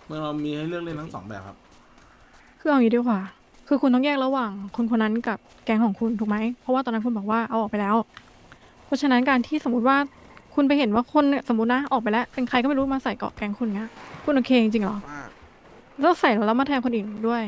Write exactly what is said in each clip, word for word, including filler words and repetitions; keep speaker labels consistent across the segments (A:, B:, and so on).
A: เมื่อเรามีให้เลือกเล่นทั้งสองแบบครับ
B: คือเอางี้ดีกว่า คือคุณต้องแยกระหว่างคนคนนั้นกับแก๊งของคุณถูกไหม เพราะว่าตอนนั้นคุณบอกว่าเอาออกไปแล้ว เพราะฉะนั้นการที่สมมติว่าคุณไปเห็นว่าคนเนี่ยสมมตินะออกไปแล้วเป็นใครก็ไม่รู้มาใส่เกาะแก๊งคุณเงี้ยคุณโอเคจริงๆเหรอแล้วใส่แล้วมาแทนคนอื่นด้วย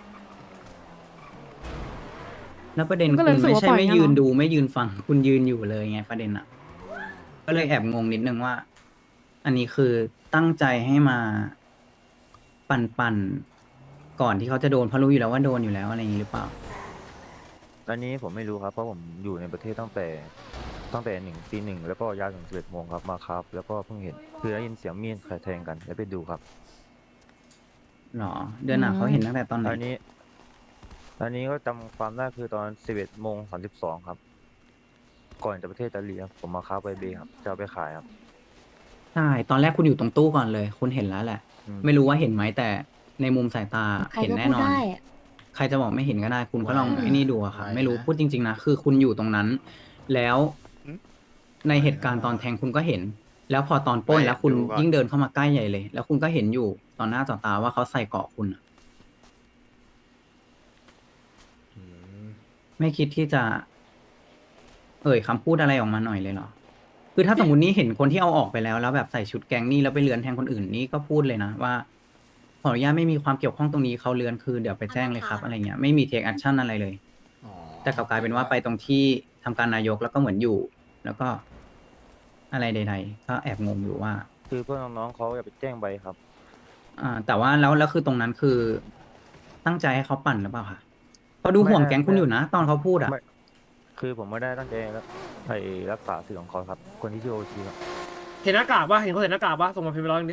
C: แล้วประเด็น
B: คุณก็เลย
C: คุณ
B: รู้สึกว่า
C: ไม่ใช่ไม่
B: ปล่อยงั้นเหรอ
C: ยืนดูไม่ยืนฟังคุณยืนอยู่เลยไงประเด็นอ่ะก็เลยแอบงงนิดนึงว่า อันนี้คือตั้งใจให้มาปั่นปั่นก่อนที่เขาจะโดนเพราะรู้อยู่แล้วว่าโดนอยู่แล้วอะไรอย่างนี้หรือเปล่า
D: อันนี้ผมไม่รู้ครับเพราะผมอยู่ในประเทศตั้งแต่ตั้งแต่หนึ่งตีหนึ่งแล้วก็ยาวถึงสิบเอ็ดโมงครับมาครับแล้วก็เพิ่งเห็นคือได้ยินเสียงมีดใครแทงกันแล้วไปดูครับ
C: หรอเดือนหน้าเขาเห็นตั้งแต่ตอนไหน
D: อันนี้อันนี้ก็จำความได้คือตอนสิบเอ็ดโมงสามสิบสองครับก่อนจะประเทศอิตาลีครับผมมาค้าไปเบครับจะเอาไปขายครับ
C: ใช่ตอนแรกคุณอยู่ตรงตู้ก่อนเลย คุณเห็นแล้วแหละ
D: อืม
C: ไม่รู้ว่าเห็นไหมแต่ในมุมสายตา
E: ใคร
C: เห็น
E: ก็พูด
C: แน่นอน
E: ได้อะ
C: ใครจะบอกไม่เห็นก็ได้ คุณก็ลอง
A: ไหวนะ
C: ไอ้นี่ดูอะค่ะ
A: ไหวนะ
C: ไม่รู้พูดจริงๆนะคือคุณอยู่ตรงนั้น แล้วในเหตุการณ์ตอนแทงคุณก็เห็น แล้วพอตอนปล้นแล้วคุณยิ่งเดินเข้ามาใกล้ใหญ่เลย แล้วคุณก็เห็นอยู่ต่อหน้าต่อตาว่าเขาใส่เกราะคุณอะ
A: อืม
C: ไม่คิดที่จะ เอ่ยคำพูดอะไรออกมาหน่อยเลยเหรอ คือถ้าสมมตินี่เห็นคนที่เอาออกไปแล้วแล้วแบบใส่ชุดแก๊งนี่แล้วไปเลือนแทงคนอื่นนี่ก็พูดเลยนะว่าขออนุญาตไม่มีความเกี่ยวข้องตรงนี้เขาเลือนคือเดี๋ยวไปแจ้งเลยครับอะไรเงี้ยไม่มีเทคแอคชั่นอะไรเลย
A: อ๋อ
C: แต่กลับกลายเป็นว่าไปตรงที่ทำการนายกแล้วก็เหมือนอยู่ แล้วก็อะไรใดๆก็แอบงงอยู่ว่า
D: คือเพื่อนน้องๆเขาอยากไปแจ้งใบครับ
C: อ่า แต่ว่าแล้วแล้วคือตรงนั้นคือ ตั้งใจให้เขาปั่นหรือเปล่าคะเขาดูห่วงแก๊งคุณอยู่นะตอนเขาพูดอ่ะ
D: ไม่คือผมไม่ได้ตั้งใจรักไปรักษาสื่อของเขาครับคนที่ชื่อโอชีครับ
F: เห็นหน้ากากปะเห็นคนเห็นหน้ากากปะส่งมาพิมพ์ไปร้อยหนึงดิ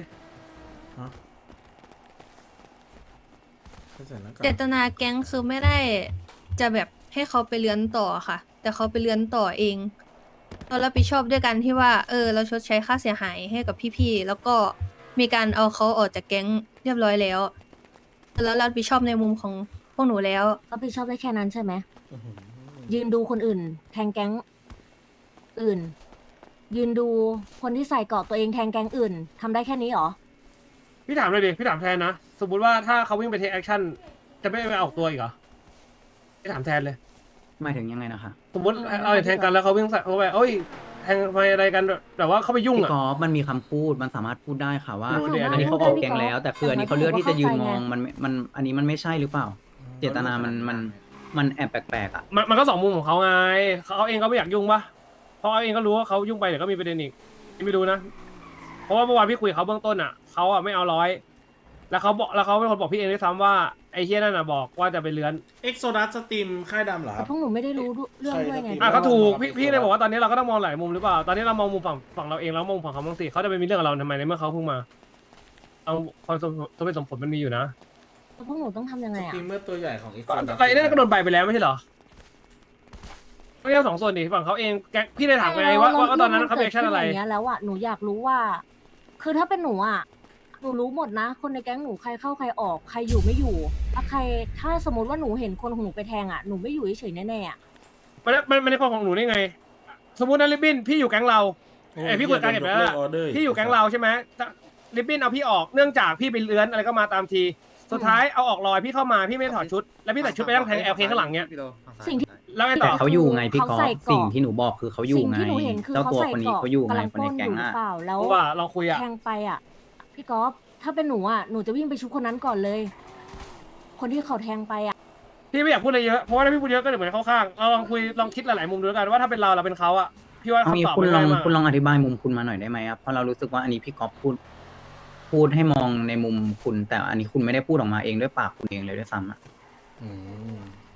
A: ไม่ใส่หน้ากาก
G: เจตนาแก๊งคือไม่ได้จะแบบให้เขาไปเลื้อนต่อค่ะ แต่เขาไปเลื้อนต่อเองเรารับผิดชอบด้วยกันที่ว่า เออ เราชดใช้ค่าเสียหายให้กับพี่ๆแล้วก็มีการเอาเขาออกจากแก๊งเรียบร้อยแล้วแล้วรับผิดชอบในมุมของพวกหนูแล้ว
E: รับผิดชอบได้แค่นั้นใช่ไหม
A: อื้อหือ
E: ยืนดูคนอื่น แทงแก๊งอื่น ยืนดูคนที่ใส่เกราะตัวเองแทงแก๊งอื่นทำได้แค่นี้เหรอ
F: พี่ถามเลยดิพี่ถามแทนนะสมมติว่าถ้าเขาวิ่งไปเทคแอคชั่นจะไม่ไปออกตัวอีกเหรอพี่ถามแทนเลย
C: หมายถึงยังไงนะคะ
F: สมมติเราแทงกันแล้วเขาวิ่งใส่เขาไปเอ้ยแทงไปอะไรกันแบบว่าเขาไปยุ่ง
C: พี่
F: อ่ะ
C: กอล์ฟมันมีคำพูดมันสามารถพูดได้ค่ะว่า
F: รู้ดิ
C: อันนี้เขาออกแกงแล้ว แต่คืออันนี้เขาเลือกที่จะยืนมองมันมันอันนี้มันไม่ใช่หรือเปล่า เจตนามันมันมันแอบแปลกๆอ่ะ
F: มันมันก็สองมุมของเขาไงเขาเองก็ไม่อยากยุ่งปะเพราะเขาเองก็รู้ว่าเขายุ่งไปเดี๋ยวก็มีประเด็นอีกพี่ไม่รู้นะเพราะว่าเมื่อวานพี่คุยกับเขาเบื้องต้นอ่ะเขาอ่ะไม่เอาร้อยแล้วเขาบอกแล้วเขาเป็นคนบอกพี่เองด้วยซ้ำว่าไอ้เฮียนั่นน่ะบอกว่าจะไปเลื้อน
A: เอ็กโซดัสสตรีมค่ายดำเหรอค
E: แต่
A: รับ
E: พวกหนูไม่ได้รู้เรื่องด้วยไง
A: ใคร
F: อ่ะก็ถูกพี่
A: ไม่
F: พี่
A: รู้
F: เลยบอกว่าตอนนี้เราก็ต้องมองหลายมุมหรือเปล่า ตอนนี้เรามองมุมฝั่งฝั่งเราเองแล้วมองฝั่งเขาบ้างสิเขาจะไปมีเรื่องกับเราทำไมในเมื่อเขาเพิ่งมาเอาความสมสมเป็นสมผลมันมีอยู่นะ
E: พวกหนูต้องทำยังไง
A: ส
E: อ่ะ
A: ตรีมเมอร์ตัวใหญ่ของเอ็กโซ
F: ก็
A: ดัส
F: ไอ้นั่นก็โดนใบไปแล้วไม่ใช่เหรอไม่ใช่สองส่วนดิฝั่งเขาเองแกพี่ได้ถามไงว่าว่าว่าตอนนั้นเขาเป็นแอคชั่นอะไร
E: เรื่องมันเกิดขึ้นอย่างเงี้ยแล้วอ่ะหนูอยากรู้ว่า คือถ้าเป็นหนูอ่ะหนูรู้หมดนะ คนในแก๊งหนูใครเข้าใครออกใครอยู่ไม่อยู่ถ้าใครถ้าสมมติว่าหนูเห็นคนของหนูไปแทงอ่ะหนูไม่อยู่เฉยๆแน่ๆอ่ะ
F: มันมันมันในความของหนูได้ไง สมมุตินะลิบบินพี่อยู่แก๊งเราไอยพี่คุยกันเห็นไหมล่ะพี่อยู่แก๊งเราใช่ไหมลิบบินเอาพี่ออกเนื่องจากพี่ไปเลื้อนอะไรก็มาตามที สุดท้ายเอาออกลอยพี่เข้ามาพี่ไม่ได้ถอดชุด แล้วพี่ใส่ชุดไปนั่งแทงแอลเคข้างหลังเนี้ย
E: สิ่งที่
F: แล้วไงต่
C: แต่
F: อ
C: เขาอยู่ไงพี่กอ
E: เขา
C: ล์
E: ใส่
C: ฟ
E: เกราะ
C: สิ่งที่หนูบอกคือเขาอยู่
E: สิ่ง
C: ไง
E: ที่หนูเห็นคือ
C: เจ้า
E: เขา
C: ตัว
E: ใส่
C: คนนี้
E: เกราะ
C: เขาอยู่ไง
E: กำลัง
C: คนใน
E: ปล้น
C: แก๊
E: อง ยู่หรื
C: อ่ะ
E: อเปล่าแล้ว
F: เพราะว่าเราคุยอะ
E: แทงไปอ่ะพี่กอล์ฟถ้าเป็นหนูอ่ะหนูจะวิ่งไปชุบคนนั้นก่อนเลย คนที่เขาแทงไปอ่ะ
F: พี่ไม่อยากพูดอะไรเยอะ เพราะว่าถ้าพี่พูดเยอะก็เดี๋ยวเหมือนเข้าข้างเราลองคุยลองคิดหลายๆมุมดูแล้วกันว่าถ้าเป็นเราเราเป็นเขาอะพี่ว่า
C: เอางี้
F: คำตอบ
C: คุณ
F: มัน
C: ลอ
F: ง่าง ยมาก
C: คุณลองอธิบายมุมคุณมาหน่อยได้ไหมครับเพราะเรารู้สึกว่าอันนี้พี่กอล์ฟพูด พูดให้มองในมุมคุณ แต่อันนี้คุณไม่ได้พูดออกมาเองด้วยปากคุณเองเลยด้วยซ้ำอ่ะ
A: อืม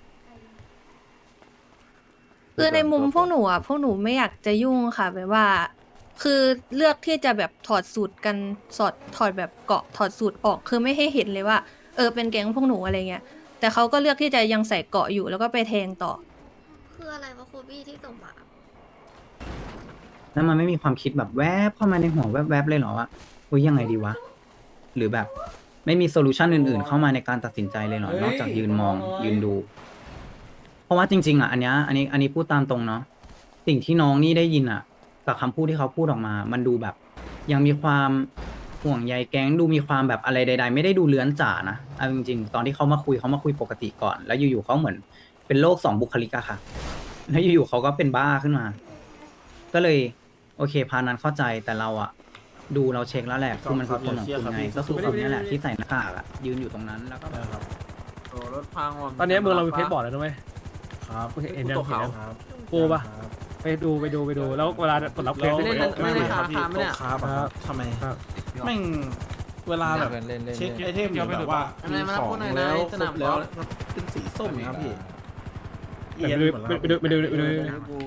G: คือในมุมพวกหนูอ่ะพวกหนูไม่อยากจะยุ่งค่ะแบบว่า คือเลือกที่จะแบบถอดสูตรกันสอดถอดแบบเกาะถอดสูตรออก คือไม่ให้เห็นเลยว่า เออเป็นแก๊งพวกหนูอะไรเงี้ยแต่เขาก็เลือกที่จะยังใส่เกาะอยู่แล้วก็ไปแทงต่อ
H: คืออะไรวะครูบี้ที่ส่งมา
C: แล้วมันไม่มีความคิดแบบแวบเข้ามาในหัวแวบๆเลยเหรอว่าอุ้ยยังไงดีวะ หรือแบบไม่มีโซลูชันอื่นๆ เข้ามาในการตัดสินใจเลยเหรอ นอกจากยืนมองยืนดู เพราะว่าจริงๆอ่ะอันเนี้ยอันนี้อันนี้พูดตามตรงเนาะสิ่งที่น้องนี่ได้ยินอ่ะกับคำพูดที่เขาพูดออกมา มันดูแบบ ยังมีความห่วงใยแก๊งดูมีความแบบอะไรใด ๆ ไม่ได้ดูเลื้อนจ๋านะเอาจริงๆตอนที่เขามาคุยเขามาคุยปกติก่อน แล้วอยู่ๆเขาเหมือนเป็นโรคสองบุคลิกอะค่ะแล้วอยู่ๆเขาก็เป็นบ้าขึ้นมา ก็เลยโอเคพานั้นเข้าใจแต่เราอะดูเราเช็คแล้วแหละคือมันคือคนของคุณไงก็คือคนนี้แหละที่ใส่หน้ากากอะยืนอยู่ตรงนั้นแล้วก็แบบ
A: ครับ
I: โอ้รถพังว่ะ
F: ตอนนี้เมืองเรามีเพชรบอร์ดแล้วนะเว้ย
A: ครับ
F: เห็นยัง
I: ตัว
F: เห็น
I: ขาว
F: ยัง
A: ครับ
F: ปูปะ
A: ครับ
F: ไปดูไปดูไปดูแล้วเวลาปลดล็อกเพชร
A: แล้ว
I: ไม่ได้
F: ไม่
I: ไม่
F: ได้
I: ได้
A: ครับพี่
I: ธนาคารไหมเนี่ย
A: โต๊ะครับอะครับทำไม
F: ครับ
A: แม่งเวลาแบบ
I: เล่นเล่น
A: เช็คไอเทมหรือแบบว่า
I: อะไร
A: มี
I: มา
A: ของ
I: พูดหน่อยนะ
A: แล้ว
I: ไอ้
A: ค
I: ส
A: ร
I: นาม
A: บแล้ว
I: กอล์ฟ
A: เป็นสีส้มนะครับพี่
F: เดี๋ยวไปดูไปดูไปดูไปดูไปดู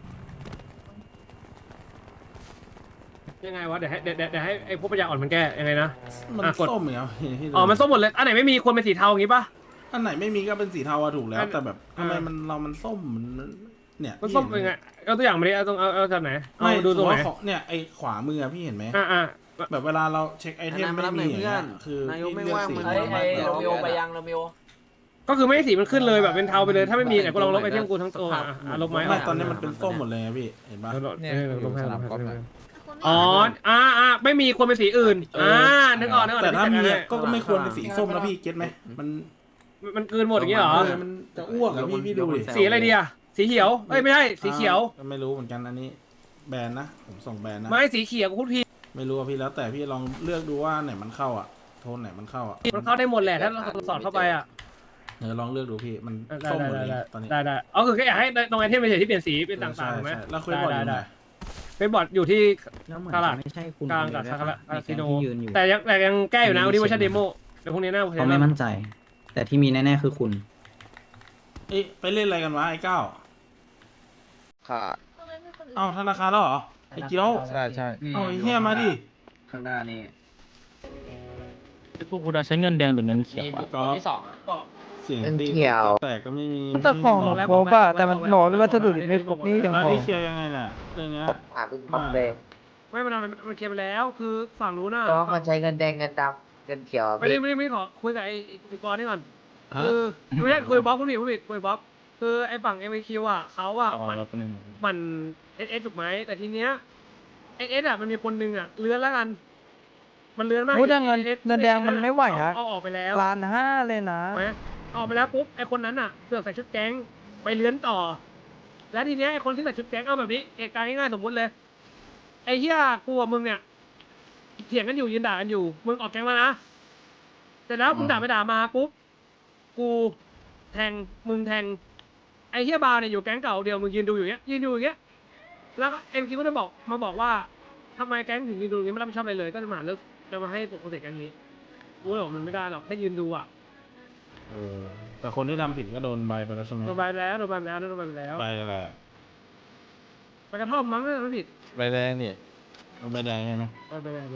F: ยังไงวะเดี๋ยวให้เดี๋ยวเดี๋ยวเดี๋ยวให้ไอ้พวกปัญญาอ่อนมันแก้ยังไงนะ
A: มัน
F: อ่ะกด
A: ส้มเหรอพี่ดู
F: อ๋อมันส้มหมดเลยอันไหนไม่มีควรเป็นสีเทาอย่างงี้ปะ
A: อันไหนไม่มีก็เป็นสีเทาอะถูกแล้
F: อั
A: วน แต่แบบทำไม
F: อ่ามั
A: มันเรามันส้มมันเนี่ย
F: มันส้มเป็นไงเอาตัวอย่างมาดิเอาตรงเอาเอาจากไหนเอา
A: ไม่
F: ดู
A: ดู
F: ตรงไหน
A: ของเนี่ยไอขวามืออะพี่เห็นไหม
F: อ่าอ่า
A: แบบเวลาเราเช็คไอเทม
I: อัน
A: ไม่
I: นั้น
A: มี
I: มารับหน่อย
A: อย่างเงี้ย
I: เพื่อน
A: คือน
I: ายกไม่
A: พี่เลือก
I: ว่าง
A: สี
I: มึง
A: มา
I: ไอ้
A: แล้ว
I: โรมิโอไปยังโรมิโอ
F: ก็คือไม่ให้สีมันขึ้นเลยแบบเป็นเทาไปเลยถ้าไม่มีไหนกูลองลบไอเทมกูทั้งตัวอ่ะอ่ะลบไหม
A: ไม่
F: อ่ะ
A: ตอนนี้มันเป็นส้มหมดเลยอะพี่เห็นปะ
F: เนี่ยลบให้ลบให้ลบให้
H: คุณไม่
F: อ๋อ อ่าอ่าไม่มีควรเป็นสีอื่น อ่า นึกออกนึกออก
A: แต่ถ้ามี
F: เดี๋ยว
A: อะก็ไม่ควรเป็นสีส้มนะพี่เก็ตไหมมัน
F: มันมันกลืนหมดอย่างงี้เหรอ
A: เออมันจะอ้วกอะพี่พี่ดูดิ
F: สีอะไรดีอ่ะ สีเขียว เอ้ยไม่ใช่ สีเขียว
A: อ่าไม่รู้เหมือนกันอันนี้แบรนด์นะผมส่งแบรนด์นะ
F: ไม่สีเขียวกูพูดผิด
A: ไม่รู้อะพี่แล้วแต่พี่ลองเลือกดูว่าไหนมันเข้าอ่ะโทนไหนมันเข้าอ่ะ
F: มันเข้าได้หมดแหละถ้าเราสอดเข้าไปอ่ะ
A: เออลองเลือกดูพี่มัน
F: ได้
A: ส้ม
F: ได้
A: หมด
F: ได้
A: เลย
F: ได้
A: ตอนนี้
F: ได้ได้เอาคือแค่อยากให้ตรงไอเทมไปเฉยที่เปลี่ยนสีเป็นต่างๆถูกไหม
A: ใช่ใช่แล้วคุยบอลอยู่ไหน
F: เป็นบอร์ดอยู่ที่
C: แล้วเหมือน
F: กาลาด
C: จะไม่ใช่คุณ
F: กลาง
C: คน
F: กับ
C: เดียว
F: คารา
C: ด้วย
F: คาซิโน
C: ที่ยืนอยู่
F: แต่ยังแต่ยังแก้อยู่นะวันนี้เวอร์ชันเดโมเดี๋ยวพรุ่งนี้หน้า
C: เขาไม่มั่นใจ แต่ที่มีแน่ๆคือคุณ
A: เอ๊ะไปเล่นอะไรกันวะไอ้เก้า
D: ค่ะ
H: ทำไมไม่คนอื่น
A: เอ้าธนาคารแล้วเหรอไอ้เกี้ยว
D: ใช่ใช่
A: เอาไอ้เฮียมาดิ
C: ข้างหน้านี่
J: พวกคุณใช้เงินแดงหรือเงินเขียวอะ
A: ก็เสียงตีแต่ก็ไม่มี
K: แต่ของหนูครบอะแต่มันหนูวัสดุไม่ครบนี่ยัง
A: แล้ว
K: พอ
A: ไอ้เคลียร์ยังไงล่ะเรื่องเนี้ย
K: อ่าเป็นครบเลย
F: ไม่มันมันมันเคลียร์ไปแล้วคือฝั่งนู้นน่ะ
K: ก็มันใช้เงินแดงเงินดำเงินเขียว
F: ไม่ได้ไม่ได้ไม่ได้ขอคุยกับไอ้ไอ้บอลนี่ก่อนคือไม่ใช่คุยกับบ๊อบคุณผิดคุณผิดคุยกับบ๊อบคือไอ้ฝั่ง เอ็ม ไอ คิว อ่ะเขาอ่ะ
J: อ๋อ
F: มัน
J: แล้วก็หนึ่ง
F: มันเอสเอสถูกไหมแต่ทีเนี้ยเอสเอสอ่ะมันมีคนนึงอ่ะเลื้อนแล้วกัน มันเลื้อนมาก
K: โอ้แต่เงิน
F: เอส
K: เงินแดงมันไม่ไหวฮะ
F: เอาออกไปแล้ว
K: ล้านห้าเลยนะ
F: ถูกไหมเอาออกไปแล้วปุ๊บไอ้คนนั้นอ่ะเสือกใส่ชุดแก๊งไปเลื้อนต่อ แล้วทีเนี้ยไอ้คนที่ใส่ชุดแก๊งเอาแบบนี้เหตุการณ์ง่ายๆสมมติเลยไอ้เหี้ยกูกับมึงเนี่ยเถียงกันอยู่ยืนด่ากันอยู่มึงออกแก๊งมานะเสร็จแล้วมึงด่าไปด่ามาปุ๊บกูแทงมึงแทงไอ้เหี้ยบาร์เนี่ยอยู่แก๊งเก่าเดียวมึงยืนดูอยู่เงี้ยยืนดูอย่างเงี้ยแล้วเอ็มคิวก็จะบอกมาบอกว่าทำไมแก๊งถึงยืนดูอย่างงี้ไม่รับผิดชอบอะไรเลยก็จะมาเลิกจะมาให้ปกติแก๊งนี้กูเลยบอกมันไม่ได้หรอกแค่ยืนดูอ่ะ
A: เออแต่คนที่ทำผิดก็โดนใบไปแล้วใช่ไหม
F: โดนใบแล้วโดนใบแล้วโดนใบแล้ว
A: ใบอะไร
F: ไปกระท่อมมั้งไม่ผิด
I: ใบแดงนี่
A: ใบแดงใช่ไหม
F: ไปไปไป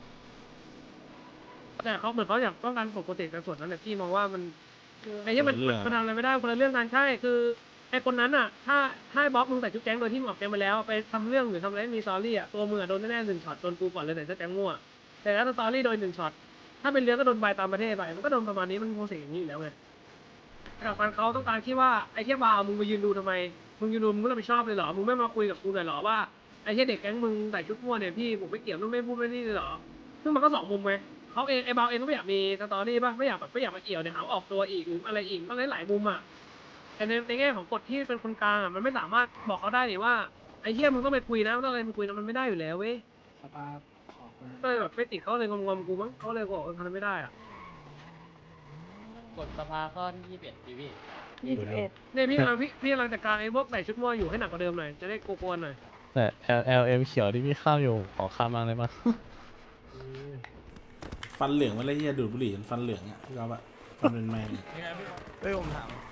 F: แต่เขาเหมือนเขาอยากต้องการปกติแต่ส่วนนั้นเนี่ยพี่มองว่ามันไอ้ที่มันมันทำอะไรไม่ได้คนละเรื่องกันใช่คือไอ้คนนั้นอ่ะ ถ้าถ้าบล็อกมึงใส่ชุดแก๊งโดยที่มึงออกแก๊งไปแล้วไปทำเรื่องหรือทำอะไรไม่มีสตอรี่อ่ะตัวมึงอ่ะโดนแน่ๆหนึ่งช็อตโดนกูก่อนเลยใส่ชุดแก๊งมั่วแต่ถ้าสตอรี่โดยหนึ่งช็อตถ้าเป็นเรื่องก็โดนใบตามประเทศไปมันก็โดนประมาณนี้มันโปรเซสอย่างนี้อยู่แล้วไงแต่การเขาต้องการคิดว่าไอ้เทียบาวมึงมายืนดูทำไมมึงยืนดูมึงก็รับผิดชอบเลยเหรอมึงไม่มาคุยกับกูหน่อยเหรอว่าไอ้เทียเด็กแก๊งมึงใส่ชุดมั่วเนี่ยพี่ผมไม่เกี่ยวนู่นไม่พูดไม่นี่เลยเหรอซึ่งมันก็สองมุมไงเขาเองไอ้บาวเองก็ไม่อยากมีสตอรี่ป่ะไม่อยากแบบไม่อยากมาเกี่ยวเนี่ยหาออกตัวอีกหรืออะไรอีกต้องหลายมุมอ่ะแต่ในในแง่ของกฎที่เป็นคนกลางอ่ะมันไม่สามารถบอกเขาได้นี่ว่าไอ้เทียมึงต้องไปคุยนะต้องอะไรมึงคุยนะมันไม่ได้อยู่แล้วเว้ยก็เลยแบบไม่ติดเขาเลยงงๆกูมั้งเขาเลยบอกเออทำไม่ได้อ่ะ
J: กฎสภาข้อที่ยี่สิบเอ็ดพี่พี่
K: ยี่สิบเอ็ด
F: เนี่ยพี่กำลังพี่พี่กำลังจัดการไอ้พวกใส่ชุดม่วงอยู่ให้หนักกว่าเดิมหน่อยจะได้กวนๆหน่อย
J: แต่ L L M เขียวที่พี่ข้ามอยู่ขอข้ามบ้างได้ปะ
A: ฟันเหลืองมาเลยเฮียดูดบุหรี่จนฟันเหลืองอ่ะพี่ก๊อฟอะฟันเป็นแมง
I: เฮ้ยผมถาม